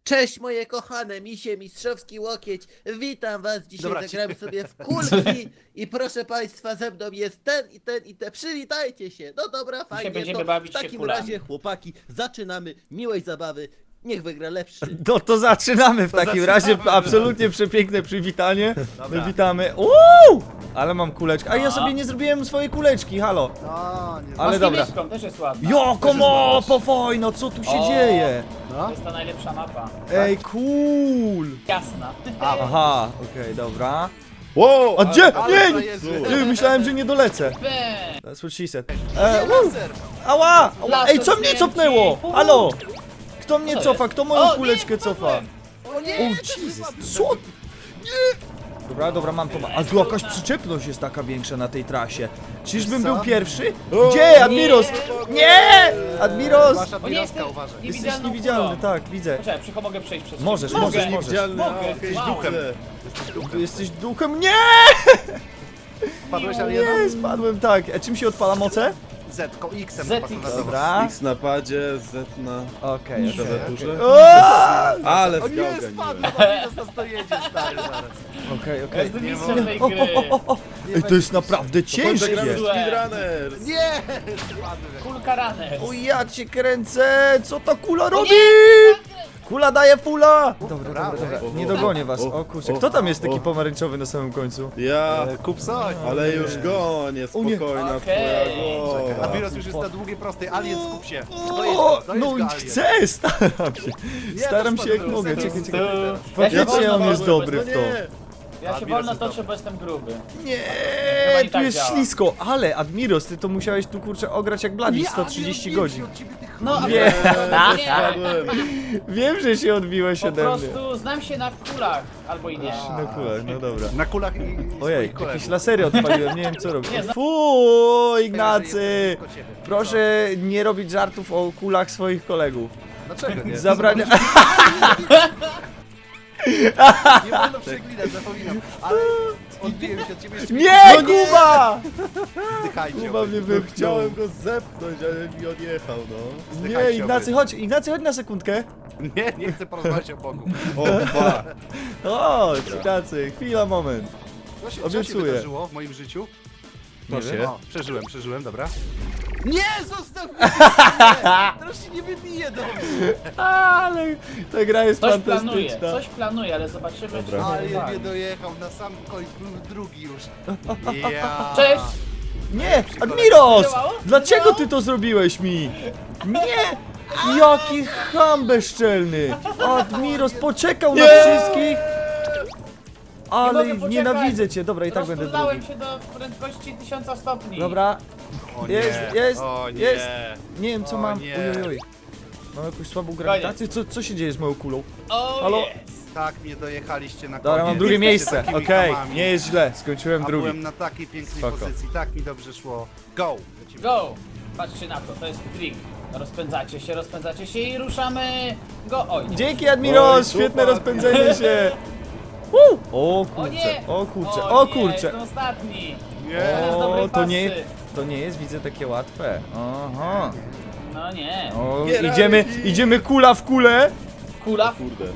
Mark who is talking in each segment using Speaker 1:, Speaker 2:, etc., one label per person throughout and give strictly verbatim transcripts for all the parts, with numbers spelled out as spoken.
Speaker 1: Cześć moje kochane misie, mistrzowski łokieć. Witam was, dzisiaj
Speaker 2: Dobra,
Speaker 1: zagramy sobie w kulki i proszę państwa, ze mną jest ten i ten i te. Przywitajcie się. No dobra, fajnie,
Speaker 3: będziemy
Speaker 1: to
Speaker 3: bawić
Speaker 1: w
Speaker 3: się
Speaker 1: takim
Speaker 3: kulami.
Speaker 1: razie chłopaki, zaczynamy. Miłej zabawy, niech wygra lepszy.
Speaker 4: No to zaczynamy w
Speaker 2: To
Speaker 4: takim
Speaker 2: zaczynamy.
Speaker 4: razie, absolutnie przepiękne przywitanie.
Speaker 2: Dobra.
Speaker 4: My witamy. Uuu! Ale mam kuleczkę. A ja sobie nie zrobiłem swojej kuleczki, halo.
Speaker 2: No, nie
Speaker 4: Ale
Speaker 3: Masz
Speaker 4: dobra.
Speaker 3: niebieską, też jest ładna.
Speaker 4: Joko
Speaker 2: jest
Speaker 4: mo,
Speaker 2: ładna.
Speaker 4: powojno, co tu się
Speaker 3: O.
Speaker 4: dzieje?
Speaker 2: No.
Speaker 3: To jest ta najlepsza mapa.
Speaker 4: Ej, cool.
Speaker 3: Jasna.
Speaker 4: Aha, okej, dobra.
Speaker 5: Wow!
Speaker 4: A gdzie?
Speaker 2: ale
Speaker 4: Nie,
Speaker 2: frajerzy.
Speaker 4: nie, myślałem, że nie dolecę.
Speaker 3: Bam.
Speaker 4: That's what she said. E,
Speaker 2: Nie,
Speaker 4: uu,
Speaker 2: laser!
Speaker 4: ała! ała.
Speaker 3: Laser
Speaker 4: Ej, co mnie
Speaker 3: kręci.
Speaker 4: cofnęło?
Speaker 3: Uhu.
Speaker 4: Halo? Kto mnie
Speaker 3: Co
Speaker 4: cofa?
Speaker 3: jest?
Speaker 4: Kto moją
Speaker 3: O, nie,
Speaker 4: kuleczkę cofa?
Speaker 3: wpadłem.
Speaker 2: O nie!
Speaker 4: O Jesus, co? Nie! Dobra, dobra, mam to. A tu jakaś przyczepność jest taka większa na tej trasie. Czyżbym
Speaker 2: Co?
Speaker 4: był pierwszy? Gdzie? Admiros! Nie! Admiros!
Speaker 2: Wasza
Speaker 3: O nie,
Speaker 2: biroska,
Speaker 3: jestem
Speaker 2: uważaj.
Speaker 3: nie-
Speaker 4: Jesteś
Speaker 3: Niewidzialną
Speaker 4: niewidzialny,
Speaker 3: kulą.
Speaker 4: tak, widzę.
Speaker 3: Poczekaj, przycho mogę przejść przez
Speaker 4: Możesz,
Speaker 3: ciebie.
Speaker 4: możesz,
Speaker 3: Mogę.
Speaker 4: możesz.
Speaker 5: Widzialny,
Speaker 3: Mogę.
Speaker 5: a, okej,
Speaker 3: Wow.
Speaker 5: duchem.
Speaker 4: Tu jesteś duchem. Nie!
Speaker 2: Padłeś, ale
Speaker 4: Nie,
Speaker 2: jedno?
Speaker 4: spadłem, tak. A czym się odpala moce?
Speaker 2: Z, ko X-em
Speaker 3: Z,
Speaker 2: chyba
Speaker 3: X.
Speaker 2: standardowo.
Speaker 4: Dobra.
Speaker 5: X na padzie, Z na...
Speaker 4: Okej,
Speaker 5: To
Speaker 4: okej.
Speaker 5: za duże?
Speaker 4: O!
Speaker 5: Ale
Speaker 2: O
Speaker 5: w
Speaker 2: nie,
Speaker 5: gałgę
Speaker 2: spadł!
Speaker 5: nie.
Speaker 2: Admiros nas dojedzie, stary, zaraz.
Speaker 4: Okej, okej.
Speaker 3: Jestem
Speaker 2: Nie
Speaker 3: mistrzem tej
Speaker 4: O,
Speaker 3: gry.
Speaker 4: o, o, o. Ej, to jest naprawdę
Speaker 5: Zagramy
Speaker 4: ciężkie.
Speaker 5: Speedrunners!
Speaker 2: Nie! Spadłem.
Speaker 3: Kulka runner.
Speaker 4: O, ja cię kręcę! Co ta kula robi?
Speaker 3: nie!
Speaker 4: Kula daje fula! Dobra, dobra,
Speaker 2: Brawo.
Speaker 4: dobra.
Speaker 5: O,
Speaker 4: Nie
Speaker 5: o,
Speaker 4: dogonię was.
Speaker 5: o,
Speaker 4: O kurczę,
Speaker 5: o,
Speaker 4: kto tam jest taki
Speaker 5: o.
Speaker 4: pomarańczowy na samym końcu?
Speaker 5: Ja,
Speaker 2: E, Kup coś.
Speaker 5: ale już gonię,
Speaker 4: O nie.
Speaker 5: spokojna
Speaker 3: Okej.
Speaker 5: twoja głowa.
Speaker 2: Admiros już jest na długiej prostej. Alien, skup się.
Speaker 4: O,
Speaker 2: Dojedź go, dojedź
Speaker 4: no
Speaker 2: go, Alien.
Speaker 4: chcę, staram się.
Speaker 2: Nie,
Speaker 4: Staram
Speaker 2: to
Speaker 4: się jak
Speaker 2: spadłem,
Speaker 4: mogę.
Speaker 2: serio,
Speaker 4: Czekaj,
Speaker 3: Tu.
Speaker 4: czekaj.
Speaker 3: Ja
Speaker 4: Faktycznie
Speaker 3: się wolno
Speaker 4: on jest
Speaker 3: toczę,
Speaker 4: dobry
Speaker 5: No
Speaker 4: w to.
Speaker 5: nie!
Speaker 3: Ja się
Speaker 2: Admiros
Speaker 3: wolno
Speaker 2: jest
Speaker 3: toczę,
Speaker 2: dobry.
Speaker 3: bo jestem gruby.
Speaker 4: Nie,
Speaker 3: Chyba i
Speaker 4: tu
Speaker 3: tak
Speaker 4: jest
Speaker 3: działa.
Speaker 4: ślisko, ale Admiros, ty to musiałeś tu kurczę ograć jak Bladi
Speaker 2: Nie,
Speaker 4: sto trzydzieści
Speaker 2: Admiros,
Speaker 4: godzin.
Speaker 2: od ciebie tych
Speaker 3: No, a
Speaker 4: Nie.
Speaker 3: nie.
Speaker 5: Spadłem.
Speaker 4: Wiem, że się odbiłeś
Speaker 3: Po
Speaker 4: ode mnie.
Speaker 3: prostu znam się na kulach. Albo i nie.
Speaker 4: No kulach, no dobra.
Speaker 2: Na kulach i, i
Speaker 4: Ojej,
Speaker 2: swoich kolegów.
Speaker 4: jakieś lasery odpaliłem, nie wiem co robić.
Speaker 3: Nie, no-
Speaker 4: Fuuu,
Speaker 2: Że
Speaker 4: Ignacy!
Speaker 2: jestem blisko ciebie.
Speaker 4: Proszę nie robić żartów o kulach swoich kolegów.
Speaker 2: Dlaczego nie?
Speaker 4: Zabrania...
Speaker 2: Nie wolno przeklinać, zapominam. Ale odbiłem się od ciebie jeszcze
Speaker 4: Nie,
Speaker 2: No
Speaker 4: Kuba!
Speaker 2: Zdychajcie.
Speaker 4: Kuba mnie
Speaker 5: No,
Speaker 4: wypchnął.
Speaker 5: chciałem go zepchnąć, ale mi odjechał, no.
Speaker 4: Nie, Ignacy, chodź, Ignacy, chodź na sekundkę.
Speaker 2: Nie, nie chcę porozmawiać o Bogu.
Speaker 5: O, dwa.
Speaker 4: Chodź, Ignacy, chwila, moment.
Speaker 2: Co się, co się
Speaker 4: Obiecuję.
Speaker 2: wydarzyło w moim życiu?
Speaker 4: Nie
Speaker 5: To
Speaker 4: wiem.
Speaker 5: się.
Speaker 2: O, przeżyłem, przeżyłem, dobra. Nie, zostaw mnie! Teraz się nie wybije do mnie!
Speaker 4: Ale ta gra jest
Speaker 3: Coś planuje,
Speaker 4: fantastyczna.
Speaker 3: coś planuje, ale zobaczymy, czy
Speaker 5: Dobra.
Speaker 3: to
Speaker 2: Ale
Speaker 3: uwagi.
Speaker 2: nie dojechał, na sam koniec był drugi już. Ja.
Speaker 3: Cześć!
Speaker 4: Nie, Admiros!
Speaker 3: Działało?
Speaker 4: Dlaczego
Speaker 3: Działało?
Speaker 4: ty to zrobiłeś mi? Nie! Jaki ham bezczelny! Admiros poczekał na
Speaker 5: Nie!
Speaker 4: wszystkich! Ale
Speaker 3: mogę poczekać.
Speaker 4: nienawidzę cię, dobra i tak będę
Speaker 3: Rozpędzałem
Speaker 4: drugi.
Speaker 3: się do prędkości tysiąca stopni.
Speaker 4: Dobra,
Speaker 2: O nie,
Speaker 4: jest, jest,
Speaker 2: o nie.
Speaker 4: jest. Nie wiem co
Speaker 2: O
Speaker 4: mam.
Speaker 2: nie.
Speaker 4: Oj, oj, oj. Mam jakąś słabą grawitację? Co, co się dzieje z moją kulą?
Speaker 3: O,
Speaker 4: Halo?
Speaker 3: jest.
Speaker 2: Tak mnie dojechaliście na koniec.
Speaker 4: Dobra, mam drugie
Speaker 2: Jesteście
Speaker 4: miejsce.
Speaker 2: takimi
Speaker 4: Okej,
Speaker 2: hamami.
Speaker 4: nie jest źle, skończyłem
Speaker 2: A
Speaker 4: drugi.
Speaker 2: byłem na takiej pięknej
Speaker 4: Spoko.
Speaker 2: pozycji, tak mi dobrze szło. Go! Lecimy.
Speaker 3: Go! Patrzcie na to, to jest trik. Rozpędzacie się, rozpędzacie się i ruszamy. Go! Oj, nie.
Speaker 4: Dzięki Admiros,
Speaker 5: Oj,
Speaker 4: świetne
Speaker 5: super.
Speaker 4: rozpędzenie się. Woo! O
Speaker 3: O
Speaker 4: kurczę,
Speaker 3: nie!
Speaker 4: o kurczę,
Speaker 3: o,
Speaker 4: o
Speaker 3: nie,
Speaker 4: kurczę.
Speaker 3: Jestem ostatni.
Speaker 2: Nie.
Speaker 3: Teraz dobrej
Speaker 4: O, to nie,
Speaker 3: pasy.
Speaker 4: to nie jest, widzę, takie łatwe. Aha.
Speaker 3: No nie.
Speaker 4: O,
Speaker 5: Nie
Speaker 4: idziemy,
Speaker 5: radzi.
Speaker 4: idziemy kula w kulę.
Speaker 3: Kula.
Speaker 5: Kurde.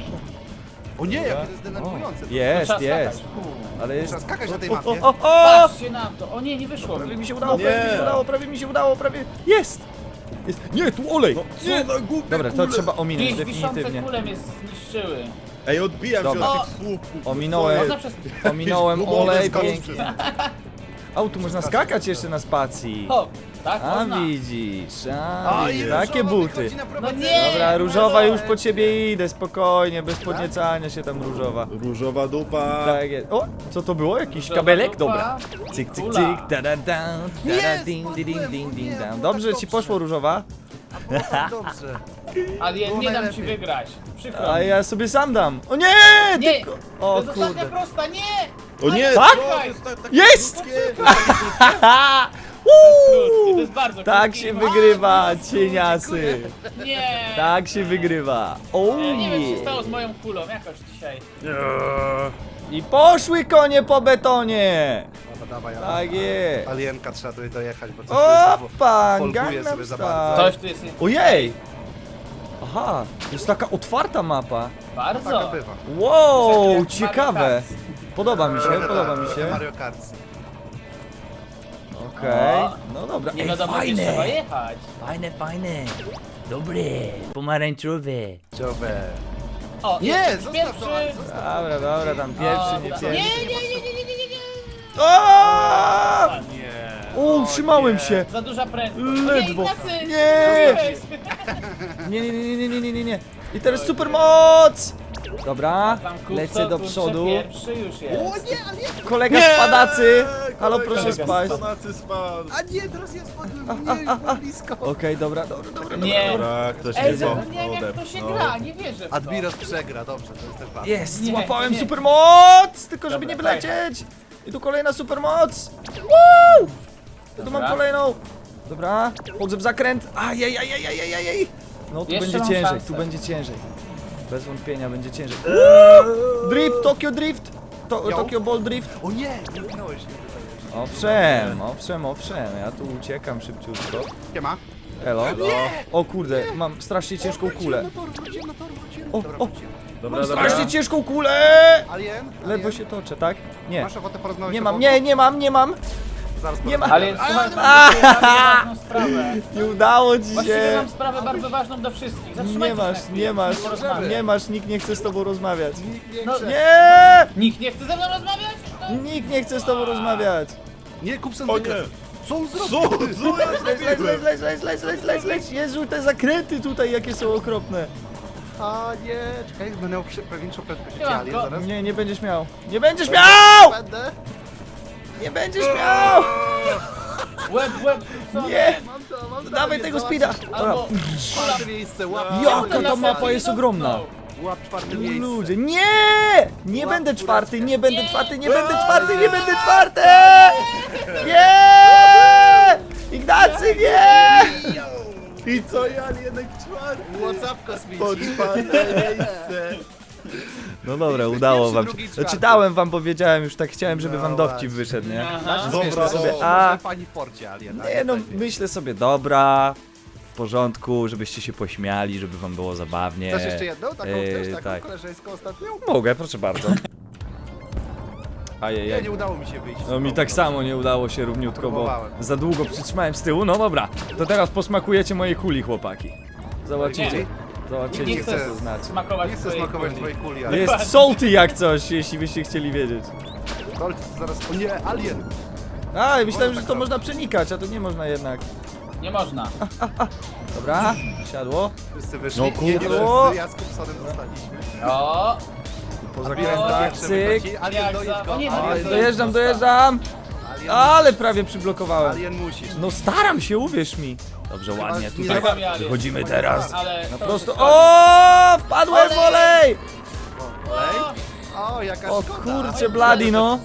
Speaker 2: O nie, jakie to jest denerwujące.
Speaker 3: No
Speaker 4: Jest,
Speaker 3: trzeba
Speaker 4: jest.
Speaker 3: skakać.
Speaker 4: Ale jest...
Speaker 2: Trzeba skakać na tej
Speaker 4: O,
Speaker 2: mapie.
Speaker 4: o, o, o!
Speaker 3: Patrzcie na to. O nie, nie wyszło
Speaker 4: Prawie
Speaker 3: mi.
Speaker 4: mi się udało,
Speaker 5: Nie.
Speaker 4: prawie mi się udało, prawie mi się udało, prawie... Jest! Jest. Nie, tu olej!
Speaker 5: No,
Speaker 4: Nie.
Speaker 5: co za głupie
Speaker 4: Dobra, to
Speaker 5: kule.
Speaker 4: trzeba ominąć,
Speaker 3: Gdzieś wiszące
Speaker 4: definitywnie.
Speaker 3: kule mnie zniszczyły.
Speaker 5: Ej, odbijam się
Speaker 4: Dobra.
Speaker 5: od tych słupków.
Speaker 4: Ominąłem.
Speaker 3: Można przez...
Speaker 4: Ominąłem
Speaker 5: Gumowy
Speaker 4: olej,
Speaker 5: skok.
Speaker 4: pięknie. O, tu można skakać jeszcze na spacji.
Speaker 3: O, tak
Speaker 4: A
Speaker 3: można.
Speaker 4: widzisz, a
Speaker 2: O,
Speaker 4: widzisz,
Speaker 2: i
Speaker 4: takie
Speaker 2: różowa
Speaker 4: buty.
Speaker 2: wychodzi na prowadzenie.
Speaker 3: nie.
Speaker 4: Dobra, różowa
Speaker 3: no.
Speaker 4: już po ciebie idę, spokojnie, bez podniecania się tam różowa.
Speaker 5: Różowa dupa.
Speaker 4: Tak jest. O, co to było? Jakiś
Speaker 3: Różowa
Speaker 4: kabelek?
Speaker 3: dupa.
Speaker 4: Dobra. Cyk, cyk,
Speaker 3: Kula.
Speaker 4: cyk, da da da, da da
Speaker 2: Nie,
Speaker 4: ding, ding,
Speaker 2: spadłem,
Speaker 4: ding,
Speaker 2: o
Speaker 4: ding,
Speaker 2: nie,
Speaker 4: ding.
Speaker 2: było
Speaker 4: Dobrze
Speaker 2: tak
Speaker 4: ci
Speaker 2: dobrze.
Speaker 4: poszło różowa?
Speaker 2: A było tak dobrze.
Speaker 3: Ale ja
Speaker 2: Było
Speaker 3: nie dam ci
Speaker 2: najlepiej.
Speaker 3: wygrać. Przykro
Speaker 4: A
Speaker 3: mi.
Speaker 4: ja sobie sam dam. O nie!
Speaker 3: Nie!
Speaker 4: Tylko...
Speaker 3: To
Speaker 4: O
Speaker 3: jest ostatnia
Speaker 4: kurde.
Speaker 3: prosta, nie!
Speaker 5: O nie,
Speaker 4: Tak?
Speaker 5: co? To jest tak- takie
Speaker 4: Jest!
Speaker 5: krótkie.
Speaker 4: Haha!
Speaker 3: Krótki, to jest bardzo
Speaker 4: Tak
Speaker 3: krótki.
Speaker 4: się wygrywa, cieniasy.
Speaker 3: Nie!
Speaker 4: Tak się wygrywa. O
Speaker 3: E, Nie wiem, co się
Speaker 4: nie.
Speaker 3: stało z moją kulą, jakoś dzisiaj.
Speaker 4: I poszły konie po betonie.
Speaker 2: Dobra, dawaj, ale...
Speaker 4: Tak jest.
Speaker 2: Alienka trzeba tutaj dojechać, bo coś tu jest
Speaker 4: Opa,
Speaker 2: folguje
Speaker 4: Gangnam
Speaker 2: sobie za
Speaker 4: Style.
Speaker 2: bardzo.
Speaker 3: Coś tu jest...
Speaker 4: Ojej! Aha, to jest taka otwarta mapa.
Speaker 3: Bardzo.
Speaker 2: Taka bywa.
Speaker 4: Wow,
Speaker 3: Jak
Speaker 4: ciekawe.
Speaker 3: Mario Kart.
Speaker 4: Podoba mi się, podoba mi się.
Speaker 2: Mario Kart.
Speaker 4: Okej,
Speaker 3: O.
Speaker 4: no dobra.
Speaker 3: Nie
Speaker 4: Ej,
Speaker 3: wiadomo, gdzie
Speaker 4: fajne.
Speaker 3: trzeba jechać.
Speaker 4: Fajne, fajne. Dobre. Pomarańczowe.
Speaker 2: Ciągle.
Speaker 3: O,
Speaker 2: Nie,
Speaker 3: jesteś
Speaker 2: zostaw
Speaker 3: pierwszy.
Speaker 2: to, Ale zostaw.
Speaker 4: Dobra, dobra, tam pierwszy, nie
Speaker 3: Dobra.
Speaker 4: pierwszy.
Speaker 3: Nie, nie, nie, nie, nie, nie, nie, nie.
Speaker 4: O!
Speaker 2: Nie.
Speaker 4: O, utrzymałem się.
Speaker 3: Za duża prędkość.
Speaker 4: Ledwo.
Speaker 3: Nie, Ignacy!
Speaker 4: Nie.
Speaker 3: Zostałeś.
Speaker 4: Nie, nie, nie, nie, nie, nie, nie, nie. I teraz supermoc! Dobra,
Speaker 3: Tam kupco,
Speaker 4: lecę do
Speaker 3: kurczę,
Speaker 4: przodu.
Speaker 3: Pierwszy już jest.
Speaker 2: O nie, ale nie.
Speaker 4: Kolega spadacy! Halo,
Speaker 5: Kolega
Speaker 4: proszę spaść.
Speaker 5: spadacy spadł.
Speaker 2: A nie, teraz ja spadłem. Nie, już było blisko.
Speaker 4: Okej, dobra, dobra, dobra.
Speaker 3: Nie.
Speaker 5: Dobra, ktoś
Speaker 3: Ej,
Speaker 5: nie
Speaker 3: zapomniałem jak to się gra, nie wierzę w to.
Speaker 2: Admiros przegra, dobrze, to jest ten fan.
Speaker 4: Jest,
Speaker 3: Nie,
Speaker 4: złapałem
Speaker 3: nie.
Speaker 4: supermoc! Tylko żeby
Speaker 3: Dobra,
Speaker 4: nie wylecieć! I tu kolejna supermoc! Woo! Ja tu mam
Speaker 3: Dobra.
Speaker 4: kolejną! Dobra, wchodzę w zakręt! Ajajajajajajajaj! No tu
Speaker 3: Jeszcze
Speaker 4: będzie
Speaker 3: mam
Speaker 4: ciężej,
Speaker 3: szansę.
Speaker 4: tu będzie ciężej. Bez wątpienia będzie ciężej. Woo! Drift, Tokyo Drift! To,
Speaker 2: Yo.
Speaker 4: Tokyo Ball Drift!
Speaker 2: O nie, nie utknąłeś mnie tutaj.
Speaker 4: Owszem, owszem, owszem, ja tu uciekam szybciutko.
Speaker 2: Siema.
Speaker 4: Elo. O kurde, mam strasznie ciężką kulę.
Speaker 2: Wróciłem na tor, wróciłem na tor, wróciłem.
Speaker 4: O,
Speaker 2: Dobra,
Speaker 4: o.
Speaker 2: wróciłem.
Speaker 5: Dobra,
Speaker 4: Mam
Speaker 5: dobra.
Speaker 4: strasznie ciężką kulę!
Speaker 2: Alien?
Speaker 4: Ledwo
Speaker 2: Alien?
Speaker 4: się toczę, tak? Nie.
Speaker 2: Masz ochotę porozmawiać
Speaker 4: Nie
Speaker 2: o
Speaker 4: mam,
Speaker 2: Bogu?
Speaker 4: nie, nie mam, nie mam!
Speaker 2: Zaraz
Speaker 4: nie ma-
Speaker 2: porozmawiamy.
Speaker 3: Ale słuchaj, mam do ciebie bardzo ważną sprawę.
Speaker 4: Nie udało ci
Speaker 3: Właściwie
Speaker 4: się!
Speaker 3: mam sprawę bardzo ważną do wszystkich.
Speaker 4: Nie
Speaker 3: Zatrzymajcie się
Speaker 4: masz,
Speaker 3: na chwilę,
Speaker 4: nie masz,
Speaker 3: chcę porozmawiać.
Speaker 4: nie masz, nikt nie chce z tobą rozmawiać.
Speaker 2: Nikt nie
Speaker 3: No,
Speaker 2: chce.
Speaker 4: Nie!
Speaker 3: Nikt nie chce ze mną rozmawiać? No.
Speaker 4: Nikt nie chce z tobą rozmawiać.
Speaker 2: Nie, kup sen
Speaker 5: O nie.
Speaker 2: Co on
Speaker 5: Co?
Speaker 2: zrobił?
Speaker 5: Co ja
Speaker 4: Leć, leć, leć, leć, leć, leć, leć, leć, leć. Jezu, te zakręty tutaj jakie są okropne.
Speaker 2: A nie, czekaj, będę miał przy- pewniejszą prędkość
Speaker 3: Nie mam
Speaker 2: Alien
Speaker 3: go.
Speaker 2: zaraz.
Speaker 4: Nie, nie będziesz miał. Nie będziesz miał!
Speaker 2: Będę.
Speaker 4: Nie będziesz miał!
Speaker 3: Łeb, łeb, co?
Speaker 4: Nie!
Speaker 2: Mam to, mam to.
Speaker 4: Dawaj tego speeda! Dobra.
Speaker 3: Albo...
Speaker 2: Czwarte miejsce, łap.
Speaker 4: Jaka ta mapa jest ogromna!
Speaker 2: Łap czwarte miejsce.
Speaker 4: Ludzie, nie! Nie
Speaker 2: Łap
Speaker 4: będę
Speaker 2: górę.
Speaker 4: czwarty, nie będę
Speaker 3: Nie.
Speaker 4: czwarty, nie będę czwarty, nie będę czwarty! Nie! Ignacy, nie!
Speaker 5: I co ja jednak czwarty?
Speaker 2: Whatsapp kosmiczny.
Speaker 5: Po czwarte miejsce.
Speaker 4: No dobra, udało
Speaker 2: pierwszy,
Speaker 4: wam
Speaker 2: drugi,
Speaker 4: się.
Speaker 2: czwarty.
Speaker 4: Znaczy dałem wam, powiedziałem już tak chciałem, żeby
Speaker 2: No
Speaker 4: wam dowcip
Speaker 2: właśnie.
Speaker 4: wyszedł, nie?
Speaker 3: Aha.
Speaker 5: Dobra,
Speaker 4: sobie,
Speaker 5: o.
Speaker 4: a-
Speaker 2: Może pani w porcie Alien.
Speaker 4: Nie no, myślę sobie, dobra, w porządku, żebyście się pośmiali, żeby wam było zabawnie.
Speaker 2: Chcesz jeszcze jedną? Taką
Speaker 4: Eee,
Speaker 2: chcesz? Taką
Speaker 4: tak.
Speaker 2: koleżeńską ostatnią?
Speaker 4: Mogę, proszę bardzo.
Speaker 2: Nie,
Speaker 4: Ajajaj.
Speaker 2: nie udało mi się wyjść.
Speaker 4: No mi tak samo nie udało się równiutko, bo
Speaker 2: Próbowałem.
Speaker 4: za długo przytrzymałem z tyłu. No dobra, to teraz posmakujecie mojej kuli, chłopaki. Zobaczycie.
Speaker 3: Nie.
Speaker 4: Zobaczycie,
Speaker 3: Nie
Speaker 4: co
Speaker 3: chcę
Speaker 4: to znaczy.
Speaker 3: smakować
Speaker 2: Nie chcę
Speaker 3: twojej
Speaker 2: smakować
Speaker 3: kuli.
Speaker 2: twojej kuli, ale...
Speaker 4: Jest salty jak coś, jeśli byście chcieli wiedzieć.
Speaker 2: Dolce, to zaraz... O nie, Alien!
Speaker 4: A, myślałem, że
Speaker 2: tak
Speaker 4: to
Speaker 2: robić.
Speaker 4: można przenikać, a to nie można jednak.
Speaker 3: Nie można.
Speaker 4: Dobra, siadło.
Speaker 2: Wszyscy wyszli.
Speaker 5: No
Speaker 2: Nie, nie
Speaker 5: kurde.
Speaker 2: wszyscy, ja z Kupsonem zostaliśmy.
Speaker 3: O!
Speaker 4: Po
Speaker 3: O,
Speaker 4: zakrętach,
Speaker 2: Pierwszy
Speaker 4: cyk.
Speaker 2: wychodzi. Alien,
Speaker 3: Jak
Speaker 2: dojedź
Speaker 3: za-
Speaker 2: go.
Speaker 3: o nie,
Speaker 2: Alien,
Speaker 3: dojedź.
Speaker 4: Dojeżdżam, dojeżdżam.
Speaker 2: Alien,
Speaker 4: Ale prawie przyblokowałem.
Speaker 2: Alien musisz.
Speaker 4: No staram się, uwierz mi. Dobrze, ładnie,
Speaker 2: nie
Speaker 4: tutaj
Speaker 3: Czekam, ja,
Speaker 4: wychodzimy
Speaker 3: jest.
Speaker 4: teraz.
Speaker 3: Ale
Speaker 4: Na
Speaker 3: to
Speaker 4: prosto.
Speaker 3: już
Speaker 4: O, wpadłem w
Speaker 3: Olej!
Speaker 4: olej!
Speaker 2: Olej? O, jaka
Speaker 4: O
Speaker 2: szkoda.
Speaker 4: kurczę, blady no.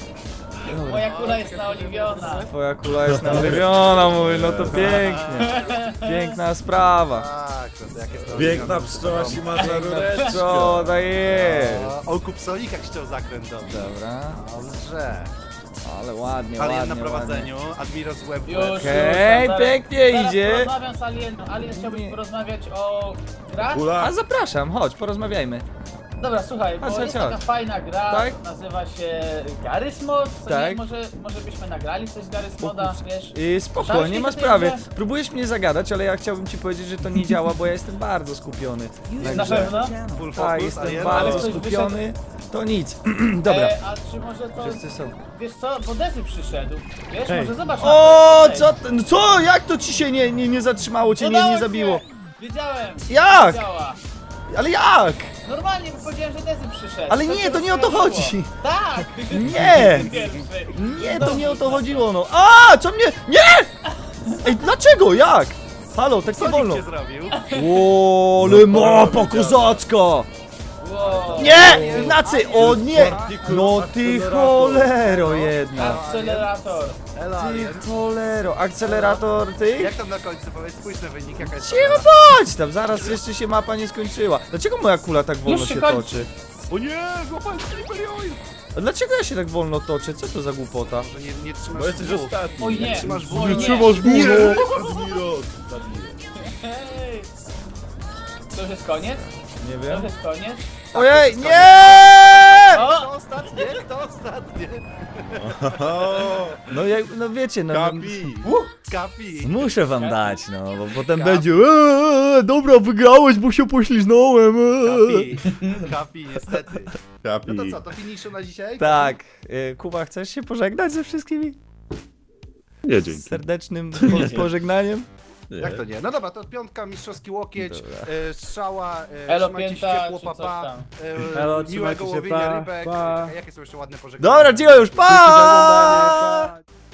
Speaker 3: Moja kula jest naoliwiona.
Speaker 4: Twoja kula jest naoliwiona, mówię, no to pięknie. Piękna sprawa.
Speaker 2: Tak, no to jak jest to
Speaker 5: Piękna
Speaker 2: robione,
Speaker 5: pszczoła
Speaker 2: to-
Speaker 5: się ma rureczkę.
Speaker 4: Co to jest?
Speaker 2: O, O, Kupsonikach chciał zakręt dobrze.
Speaker 4: Dobra,
Speaker 2: Dobrze.
Speaker 4: ale ładnie,
Speaker 2: Alien
Speaker 4: ładnie,
Speaker 2: na
Speaker 4: ładnie.
Speaker 2: prowadzeniu, Admiros web
Speaker 3: Już,
Speaker 2: web.
Speaker 3: już.
Speaker 4: Okej,
Speaker 3: zaraz-
Speaker 4: pięknie
Speaker 3: zaraz
Speaker 4: idzie.
Speaker 3: porozmawiam z Alienem. Alien chciałbyś
Speaker 4: Nie.
Speaker 3: porozmawiać o grach?
Speaker 5: Kula.
Speaker 4: A zapraszam, chodź, porozmawiamy.
Speaker 3: Dobra, słuchaj, bo
Speaker 4: Chodź,
Speaker 3: jest
Speaker 4: chodź,
Speaker 3: taka
Speaker 4: chodź.
Speaker 3: fajna gra,
Speaker 4: Tak?
Speaker 3: nazywa się Garry's Mod, co
Speaker 4: Tak.
Speaker 3: nie? Może, może byśmy nagrali coś z Garry's Moda, wiesz?
Speaker 4: Yy, spoko,
Speaker 3: Słyszałeś
Speaker 4: nie
Speaker 3: mi
Speaker 4: ma
Speaker 3: o tej
Speaker 4: sprawy.
Speaker 3: grze?
Speaker 4: Próbujesz mnie zagadać, ale ja chciałbym ci powiedzieć, że to nie działa, bo ja jestem bardzo skupiony.
Speaker 3: Na
Speaker 4: Także,
Speaker 3: pewno?
Speaker 2: Full
Speaker 4: tak,
Speaker 2: focus,
Speaker 4: jestem
Speaker 2: Alien.
Speaker 3: Ale
Speaker 4: bardzo
Speaker 3: ktoś
Speaker 4: skupiony. To nic. Dobra,
Speaker 3: E, a czy może to,
Speaker 4: wszyscy są.
Speaker 3: wiesz co, bo Dezy przyszedł, wiesz,
Speaker 5: Hej.
Speaker 3: może zobacz na
Speaker 4: O,
Speaker 3: to.
Speaker 4: co, ty- no co, jak to ci się nie, nie, nie zatrzymało, cię nie,
Speaker 3: Udało
Speaker 4: nie
Speaker 3: się!
Speaker 4: zabiło?
Speaker 3: Wiedziałem!
Speaker 4: Jak?
Speaker 3: Działa.
Speaker 4: Ale jak?
Speaker 3: Normalnie, bo powiedziałem, że Dezy przyszedł.
Speaker 4: Ale
Speaker 3: To
Speaker 4: nie,
Speaker 3: się
Speaker 4: to nie o to
Speaker 3: rozkojarzyło.
Speaker 4: chodzi.
Speaker 3: Tak!
Speaker 4: Nie!
Speaker 3: Pierwszy.
Speaker 4: Nie, to nie o to chodziło, no. A, co mnie? Nie! Ej, dlaczego? Jak? Halo, tak nie
Speaker 2: Co
Speaker 4: wolno.
Speaker 2: nikt nie zrobił?
Speaker 4: O, ale mapa kozacka!
Speaker 3: Wow.
Speaker 4: Nie! Ignacy, o nie! No ty cholero jedna.
Speaker 3: Akcelerator.
Speaker 2: Elo,
Speaker 4: Ty
Speaker 2: Alien.
Speaker 4: cholero. Akcelerator ty?
Speaker 2: Jak tam na końcu powiedz, spójrz na wynik, jaka jest
Speaker 4: Cicho bądź tam, zaraz jeszcze się mapa nie skończyła. Dlaczego moja kula tak wolno
Speaker 3: Już się
Speaker 4: się
Speaker 3: kończy.
Speaker 4: toczy?
Speaker 2: O nie, złapałem Slippery Oil!
Speaker 4: A dlaczego ja się tak wolno toczę? Co to za głupota?
Speaker 2: Że nie, nie trzymasz
Speaker 5: Bo jesteś
Speaker 2: dwóch.
Speaker 5: ostatni.
Speaker 3: Oj nie.
Speaker 2: Trzymasz
Speaker 3: Oj
Speaker 2: wół.
Speaker 3: nie.
Speaker 5: Admiros, zabiję.
Speaker 3: Hej. To już jest koniec?
Speaker 4: Nie
Speaker 3: To
Speaker 4: wiem.
Speaker 3: już jest koniec?
Speaker 4: Ojej, nie!
Speaker 3: O!
Speaker 2: Kto ostatnie? Kto ostatnie?
Speaker 5: O,
Speaker 4: No, jak, no wiecie, no, no
Speaker 5: Kapi.
Speaker 2: Kapi.
Speaker 4: muszę wam dać, no, bo potem będzie eee, dobra, wygrałeś, bo się pośliznąłem. Eee.
Speaker 2: Kapi. Kapi, niestety.
Speaker 5: Kapi.
Speaker 2: No to co, to finiszu na dzisiaj?
Speaker 4: Tak, y, Kuba, chcesz się pożegnać ze wszystkimi?
Speaker 5: Nie,
Speaker 4: Z
Speaker 5: dzięki.
Speaker 4: serdecznym po pożegnaniem?
Speaker 5: Nie.
Speaker 2: Jak to nie? No dobra, to piątka, mistrzowski łokieć,
Speaker 4: Dobra.
Speaker 2: e, strzała, e,
Speaker 3: Elo
Speaker 2: trzymajcie się
Speaker 3: pięta,
Speaker 2: ciepło,
Speaker 3: czy coś
Speaker 2: papa,
Speaker 3: tam.
Speaker 2: e,
Speaker 6: Elo,
Speaker 2: miłego
Speaker 6: trzymajcie się,
Speaker 2: łowienia
Speaker 6: pa,
Speaker 2: rybek.
Speaker 6: pa.
Speaker 2: Czekaj, jakie są jeszcze ładne pożegnania?
Speaker 4: Dobra, dziękuję już,
Speaker 6: Dzięki za
Speaker 4: pa!
Speaker 6: oglądanie, pa.